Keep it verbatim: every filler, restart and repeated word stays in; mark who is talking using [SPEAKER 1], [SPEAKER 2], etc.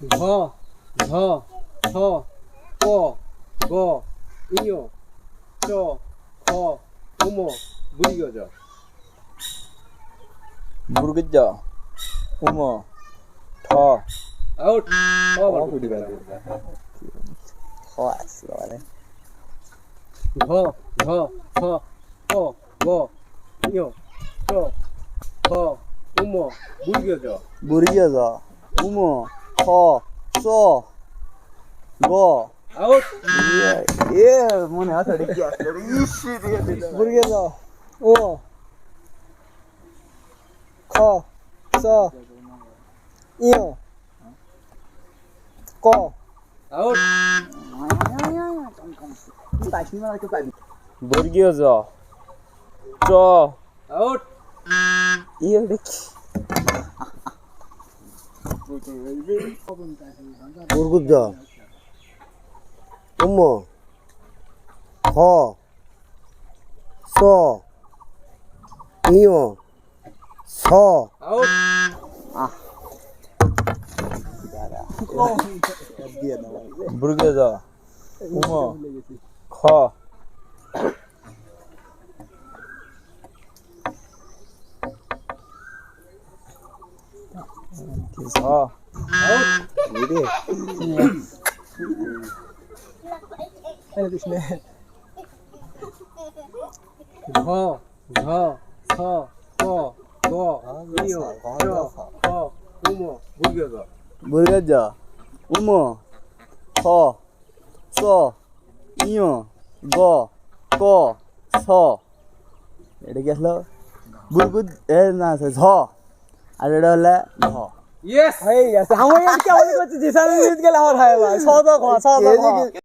[SPEAKER 1] 거, 거, 서, 거, 거, 이요, 저, 거, 오모, 무리겨져.
[SPEAKER 2] 모르겠죠. 어머, 더,
[SPEAKER 1] 아웃. 어,
[SPEAKER 2] 어,
[SPEAKER 1] 말고
[SPEAKER 2] 우리가
[SPEAKER 1] 거,
[SPEAKER 2] 허았어, 그래.
[SPEAKER 1] 거, 서, 거, 거, 이요, 저, 거, 오모, 무리겨져.
[SPEAKER 2] 모르겠어. 어머, 더, 써, 뭐.
[SPEAKER 1] 아웃.
[SPEAKER 2] 예, 예, 뭐네, 아서 이렇게 왔어. 이씨, 모르겠어. 어, 커, 써, 이요, 거.
[SPEAKER 1] 아웃.
[SPEAKER 2] 모르겠어. 저,
[SPEAKER 1] 아웃.
[SPEAKER 2] 이요, 이렇게.
[SPEAKER 3] 모르겠다. 엄마, 거, 서, 이요, 서.
[SPEAKER 1] 아웃.
[SPEAKER 2] 모르겠어. 어머, 커. 서.
[SPEAKER 1] 아웃.
[SPEAKER 2] 이래.
[SPEAKER 1] 거, 거, 서, 거, 거, 이요, 저, 거, 오모, 무리겨져.
[SPEAKER 2] 모르겠죠. 어머, 커, 써, 이요, 거, 거, 서. 이렇게 해서 물고 애나서 서. 알려달래 너.
[SPEAKER 1] 예스.
[SPEAKER 2] Hey, yes. How many क्या बोले कुछ जैसा नहीं इसके लाहौर है भाई सौ तो खा सौ तो खा